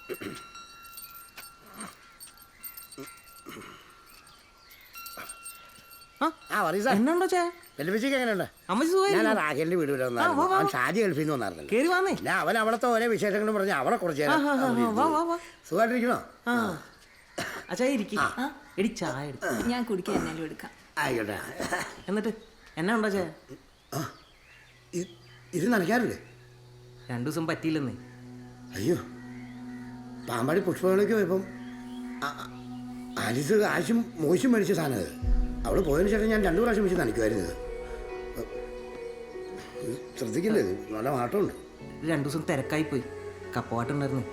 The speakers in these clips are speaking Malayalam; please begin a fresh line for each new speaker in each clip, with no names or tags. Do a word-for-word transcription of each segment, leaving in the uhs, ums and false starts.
എന്നുണ്ടോ ചേ
വെല്ലുവിളിക്ക് എങ്ങനെയുണ്ട്? ഞാൻ ആ റാഖേലിന്റെ വീട് വരെ വന്നായിരുന്നു. ഷാജി ഗൾഫിൽ നിന്ന് വന്നായിരുന്നല്ലോ. ഞാൻ അവൻ അവിടുത്തെ ഓരോ വിശേഷങ്ങളും പറഞ്ഞ് അവളെ കുറച്ച് സുഖമായിട്ടിരിക്കണോ?
എടി ചായ
ഞാൻ കുടിക്കാൻ എന്നാലും എടുക്കാം.
ആയിക്കോട്ടെ.
എന്നിട്ട് എന്നാ ഉണ്ടോ ചേ?
ഇത് നനയ്ക്കാറില്ലേ?
രണ്ടു ദിവസം പറ്റിയില്ലെന്നേ.
അയ്യോ, പാമ്പാടി പുഷ്പകളൊക്കെ പോയപ്പം ആലിസ് ആശും മോശം മേടിച്ച സാധനം അത്. അവള് പോയതിനു ശേഷം ഞാൻ രണ്ടു പ്രാവശ്യം വെച്ച് നനയ്ക്കുമായിരുന്നു. ശ്രദ്ധിക്കില്ലേ, ഇത് നല്ല മാറ്റമുണ്ട്.
രണ്ടു ദിവസം തിരക്കായി പോയി, കപ്പവാട്ടുണ്ടായിരുന്നു.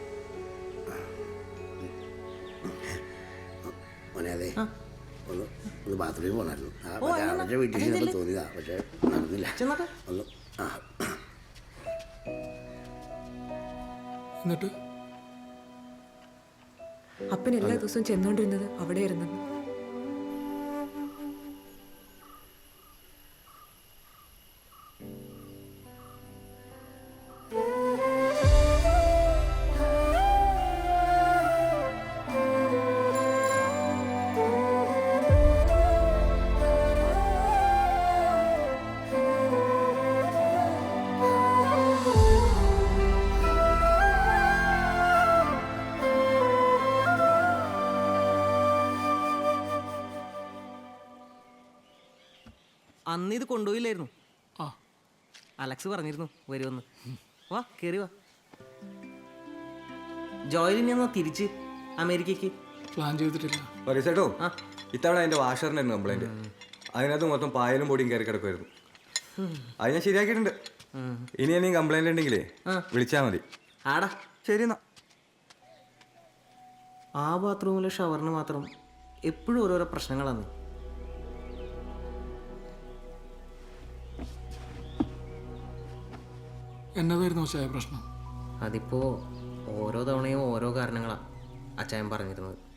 മോനെ അതെ, ഒന്ന് ഒന്ന് ബാത്റൂമിൽ പോകണമായിരുന്നു. അവരുടെ വീട്ടിൽ ചെന്നപ്പോൾ തോന്നിയതാ, പക്ഷെ നടന്നില്ല. ഒന്ന് ആ
എന്നിട്ട്
അപ്പൻ എല്ലാ ദിവസവും ചെന്നോണ്ടിരുന്നത് അവിടെ ഇരുന്നു.
അന്ന് ഇത് കൊണ്ടുപോയില്ലായിരുന്നു. അലക്സ് പറഞ്ഞിരുന്നു വരുമെന്ന്. വാ കേറി വാ. ജോയിലിനെ എന്നാ തിരിച്ച് അമേരിക്കക്ക്
പ്ലാൻ ചെയ്തിട്ടില്ല.
പറയട്ടോ, ഇത്തവണ അതിന്റെ വാഷറിനായിരുന്നു കംപ്ലൈന്റ്. അതിനകത്ത് മൊത്തം പായലും പൊടിയും കയറി കിടക്കുമായിരുന്നു. അത് ഞാൻ ശരിയാക്കിയിട്ടുണ്ട്. ഇനി എന്തെങ്കിലും കംപ്ലൈന്റ് ഉണ്ടെങ്കിലേ വിളിച്ചാൽ മതി.
ആടാ
ശരി എന്നാ.
ആ ബാത്റൂമിലെ ഷവറിന് മാത്രം എപ്പോഴും ഓരോരോ പ്രശ്നങ്ങളാണ്.
എന്നതായിരുന്നു ചായ പ്രശ്നം?
അതിപ്പോ ഓരോ തവണയും ഓരോ കാരണങ്ങളാ അച്ചായൻ പറഞ്ഞിരുന്നത്.